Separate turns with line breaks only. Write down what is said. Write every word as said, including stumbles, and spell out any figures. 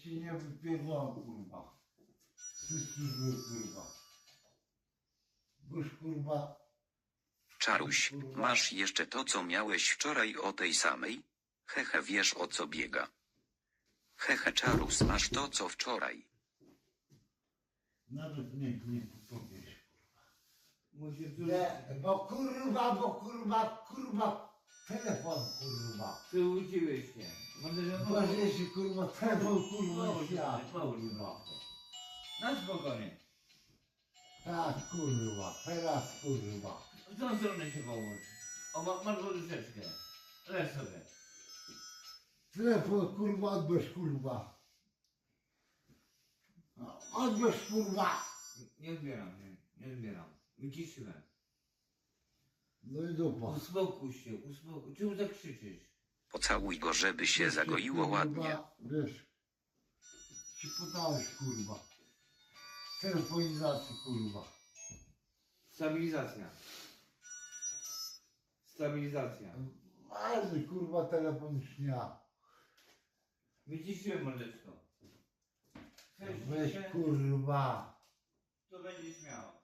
ci nie wypierdolam, kurwa. Wszyscy zły, kurwa. Boż, kurwa,
Czaruś, masz jeszcze to, co miałeś wczoraj o tej samej? Hehe, wiesz o co biega. Hehe, Czarus, masz to, co wczoraj.
nawet nie, nie powiesz.
Musi
Nie, bo kurwa, bo kurwa, kurwa, telefon, kurwa.
Przyłudziłeś się. Może, że
Boże się, kurwa, telefon, kurwa,
Połóż
świat,
się, połóż się.
kurwa.
Na spokojnie.
Tak, kurwa, teraz, kurwa.
W tą stronę się połóż. O, ma, masz poduszeczkę. Leż sobie.
Telefon, kurwa, odbierz, kurwa. Odbierz, kurwa.
Nie odbieram, nie, nie odbieram. Wyciszyłem.
No i dupa.
Uspokój się, uspokój. Czemu tak krzyczysz?
Pocałuj go, żeby się zagoiło ładnie.
Wiesz, ci podałeś, kurwa. Telefonizacji, kurwa.
Stabilizacja. Stabilizacja.
Ale kurwa, telefon śnia.
Wyciszyłem mordeczko. Chcesz
Weź,
się?
kurwa.
To będzie śmiało.